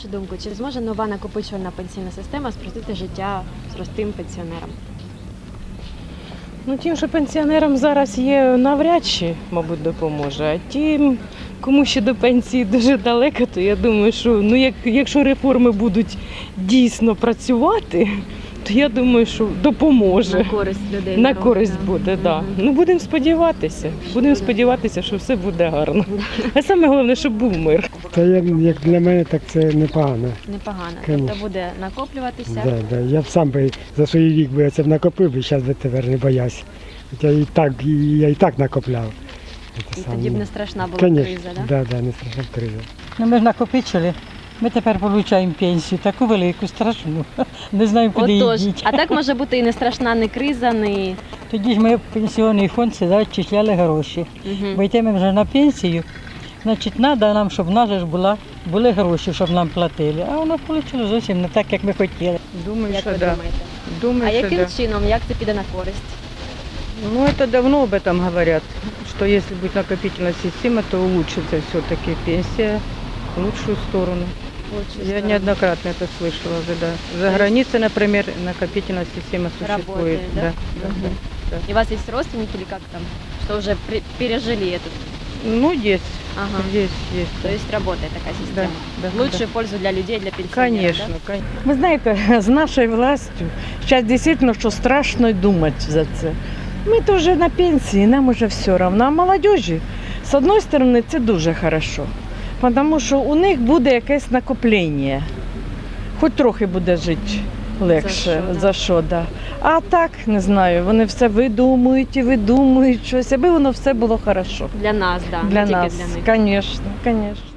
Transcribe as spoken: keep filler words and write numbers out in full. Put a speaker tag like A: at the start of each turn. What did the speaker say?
A: вашу думку, чи зможе нова накопичувальна пенсійна система спростити життя простим пенсіонерам?
B: Ну, тим, що пенсіонерам зараз є, навряд чи, мабуть, допоможе. А тим, кому ще до пенсії дуже далеко, то я думаю, що ну, як, якщо реформи будуть дійсно працювати, то я думаю, що допоможе.
A: На користь людей.
B: На
A: народу,
B: користь
A: да.
B: буде, так. Да.
A: Мгм.
B: Ну, будемо сподіватися. Будемо сподіватися, що все буде гарно. А саме головне, щоб був мир.
C: Та я, як для мене, так це непогано.
A: Непогано.
C: Конечно.
A: Тобто буде накоплюватися.
C: Да, да. Я б сам би за свій вік би це б накопив, би зараз би тепер не боявся. Хоча і так, і, я і так накопляв. Це
A: І
C: саме.
A: тоді б не страшна була
C: Конечно,
A: криза, так?
C: да, да, не страшна криза.
D: Ну, ми ж накопичили. Ми тепер отримуємо пенсію, таку велику, страшну. Не знаємо, куди її
A: Отож,
D: діти.
A: а так може бути і не страшна не криза, не...
D: Тоді ж ми в пенсійний фонд сюди відчисляли гроші.
A: Мгм.
D: Бо йдемо вже на пенсію, значить, треба нам, щоб в нас же ж була, були гроші, щоб нам платили. А воно вийшло зовсім не так, як ми хотіли.
B: Думаю,
A: Як
B: що
A: ви
B: да.
A: думаєте?
B: Думаю,
A: А
B: що
A: яким
B: да.
A: чином, як це піде на користь?
B: Ну, это давно об этом говорят, что если будет накопительная система, то улучшится все-таки пенсия в лучшую сторону.
A: Лучше
B: Я
A: сторону.
B: неоднократно это слышала уже, да. За границей, например, накопительная система существует.
A: Работает, да?
B: Да, да,
A: Мгм.
B: да.
A: И у вас есть родственники или как там, что уже при- пережили этот?
B: Ну, есть,
A: Ага.
B: есть, есть.
A: То есть работает такая
B: да,
A: система.
B: да,
A: Лучшую пользу для людей, для пенсионеров.
B: Конечно,
A: да?
B: конечно.
E: Ви знаєте, з нашою властю зараз дійсно, що страшно й думати за це. Ми то вже на пенсії, нам уже все одно. А молодіжі, з однієї сторони, це дуже хорошо, тому що у них буде якесь накоплення. Хоч трохи буде жити легше,
A: За що, да.
E: за що, да. А так, не знаю, вони все видумують і видумують щось, аби воно все було хорошо.
A: Для нас, да,
E: Для
A: не тільки
E: нас,
A: для них.
E: звісно, звісно.